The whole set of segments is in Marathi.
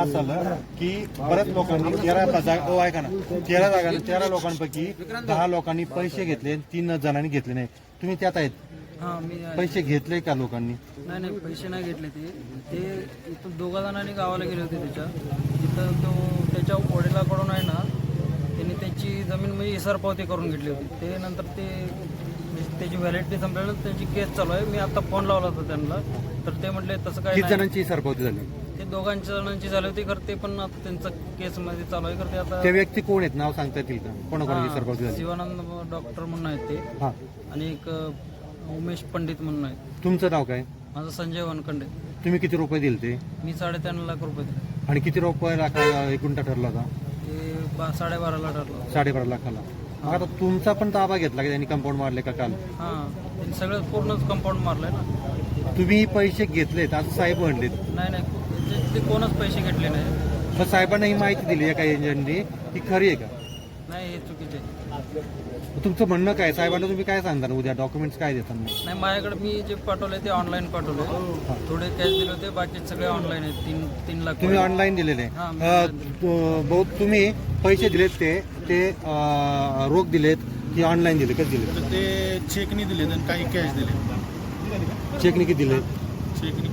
असं झालं की बऱ्याच लोकांनी 13 जागा ऐका ना 13 लोकांपैकी 10 लोकांनी पैसे घेतले, 3 जणांनी घेतले नाही. तुम्ही त्यात आहेत? हां मी पैसे घेतले का लोकांनी? नाही पैसे नाही घेतले. ते इथून 2 जणांनी गावाला गेले होते तिथं त्याच्या वडिलाकडून आहे ना, त्यांनी त्याची जमीन म्हणजे इसारपावती करून घेतली होती. ते नंतर त्याची व्हॅलिडिटी संपल्यानंतर त्यांची केस चालू आहे. मी आता फोन लावला होता त्यांना, तर ते म्हटले तसं काय किती जणांची सरपावती झाली? ते 2 जणांची झाली होती. तर ते पण आता त्यांचं केसमध्ये चालू आहे. तर ते आता त्या व्यक्ती कोण आहेत, नाव सांगता येतील का? कोणाकोणाची सरपावती झाली? शिवानंद डॉक्टर म्हणून आहेत ते, हां. आणि एक उमेश पंडित म्हणून आहे. तुमचं नाव काय? माझं संजय वनखंडे. तुम्ही किती रुपये दिले ते? मी 3.5 लाख रुपये दिले. आणि किती रुपये लाखाला एक गुंठा ठरला होता? ते 12.5 लाख ठरलं. 12.5 लाखाला. मग आता तुमचा पण ताबा घेतला का त्यांनी? कंपाऊंड मारले का काल? हां, त्यांनी सगळं पूर्णच कंपाऊंड मारलंय ना. तुम्ही पैसे घेतलेत असं साहेब म्हणलेत. नाही ते कोणच पैसे घेतले नाही. तर साहेबांना ही माहिती दिली आहे का एजंटनी? ती खरी आहे का? नाही, हे चुकीचे आहे. तुमचं म्हणणं काय? साहेबांना तुम्ही काय सांगता उद्या? डॉक्युमेंट्स काय देतात? नाही, माझ्याकडे मी जे पाठवले ते ऑनलाईन पाठवले. थोडे कॅश दिले होते, बाकी सगळे ऑनलाईन आहेत. 3 लाख तुम्ही ऑनलाईन दिलेले? हां, बहुत तुम्ही पैसे दिलेत ते रोख दिलेत की ऑनलाईन दिले? कसे दिले? तर ते चेकनी दिले आणि काही कॅश दिले. चेकने किती दिले? चेकनी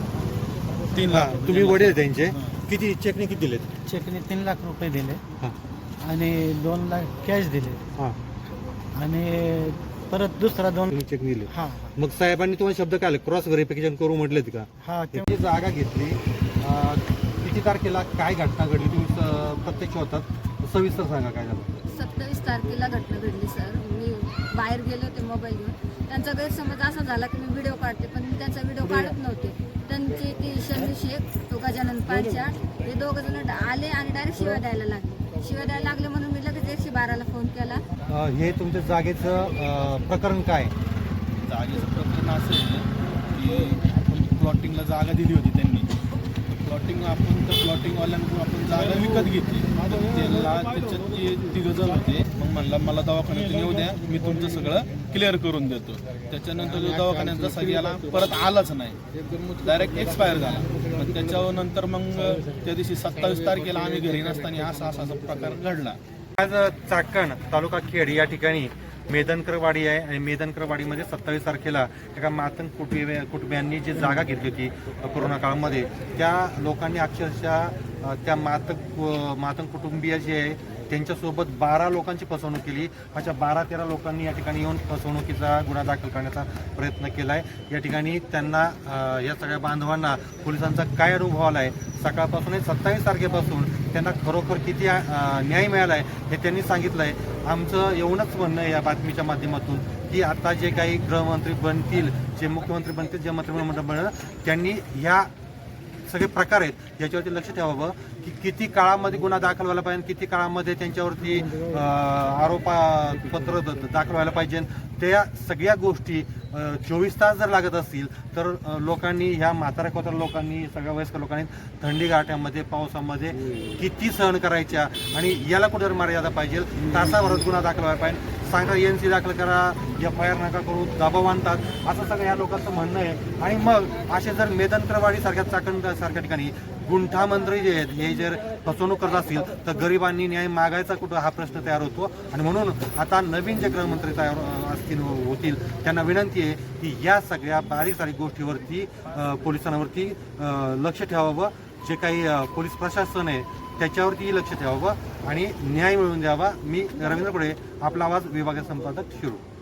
3 हा, लाख. तुम्ही वडील त्यांचे किती चेकने किती दिलेत? चेकने 3 लाख रुपये दिले हां आणि 2 लाख कॅश दिले हां. आणि परत दुसरा 2. तुम्ही चेक दिले? हां मग साहेबांनी तुम्हाला शब्द काय क्रॉस व्हेरिफिकेशन करू म्हटलेत का? हां जी जागा घेतली किती तारखेला काय घटना घडली? तुम्ही प्रत्यक्ष होतात, सविस्तर सांगा काय झालं. 27 तारखेला घटना घडली सर. मी बाहेर गेले होते मोबाईल घेऊन. त्यांचा गैरसमज असा झाला की मी व्हिडिओ काढते, पण मी त्यांचा व्हिडिओ काढत नव्हते. त्यांचे ती शमी शेख, तो गजानन पांच्या, हे 2 जण आले आणि डायरेक्ट शिव्या द्यायला लागले. म्हणून मी लगेच 112ला फोन केला. हे तुमच्या जागेचं प्रकरण काय? जागेचं प्रकरण असं आहे की आपण प्लॉटिंगला जागा दिली होती त्यांनी. आपण त्या प्लॉटिंगवाल्यांकडून आपण जागा विकत घेतली. त्याला त्याच्यात 3 जण होते. मग म्हणला मला दवाखान्यातून येऊ द्या, मी तुमचं सगळं क्लिअर करून देतो. त्याच्यानंतर जो दवाखान्याचा सगळ्याला परत आलाच नाही, डायरेक्ट एक्सपायर झाला. पण त्याच्यानंतर मग त्या दिवशी 27 तारखेला आम्ही घरी नसताना असा प्रकार घडला. आज चाकण तालुका खेड या ठिकाणी मेदनकरवाडी आहे आणि मेदनकरवाडीमध्ये 27 तारखेला एका मातंग कुटुंबियांनी जी जागा घेतली होती कोरोना काळामध्ये, त्या लोकांनी अक्षरशः त्या मातंग कुटुंबीय जे आहे त्यांच्यासोबत 12 लोकांची फसवणूक केली. अशा 12-13 लोकांनी या ठिकाणी येऊन फसवणुकीचा गुन्हा दाखल करण्याचा प्रयत्न केला आहे. या ठिकाणी त्यांना या सगळ्या बांधवांना पोलिसांचा काय अनुभव आला आहे, सकाळपासून 27 तारखेपासून त्यांना खरोखर किती न्याय मिळाला आहे हे त्यांनी सांगितलं आहे. आमचं एवढंच म्हणणं आहे या बातमीच्या माध्यमातून की आता जे काही गृहमंत्री बनतील, जे मुख्यमंत्री बनतील, जे मंत्रिमंडळ बनलं, त्यांनी ह्या सगळे प्रकार आहेत याच्यावरती लक्ष ठेवावं की किती काळामध्ये गुन्हा दाखल व्हायला पाहिजे, किती काळामध्ये त्यांच्यावरती आरोपपत्र दाखल व्हायला पाहिजे. त्या सगळ्या गोष्टी 24 तास जर लागत असतील तर लोकांनी, ह्या म्हाताऱ्या लोकांनी, सगळ्या वयस्कर लोकांनी थंडी गाठ्यामध्ये, पावसामध्ये किती सहन करायच्या आणि याला कुठे मर्यादा पाहिजे. तासाभरात गुन्हा दाखल व्हायला पाहिजे. सांगा NC दाखल करा, FIR नका करू, दबाव आणतात, असं सगळं या लोकांचं म्हणणं आहे. आणि मग असे जर मेदनकरवाडी सारख्या चाकण सारख्या ठिकाणी गुंठा मंत्री जे आहेत हे जर फसवणूक करत असतील तर गरिबांनी न्याय मागायचा कुठं हा प्रश्न तयार होतो. आणि म्हणून आता नवीन जे गृहमंत्री तयार होतील त्यांना विनंती आहे की या सगळ्या बारीक सारीक गोष्टीवरती पोलिसांवरती लक्ष ठेवावं. जे काही पोलीस प्रशासन आहे त्याच्यावरतीही लक्ष ठेवावं आणि न्याय मिळवून द्यावा. मी रवींद्र पुढे, आपला आवाज, विभागीय संपादक, शिरूर.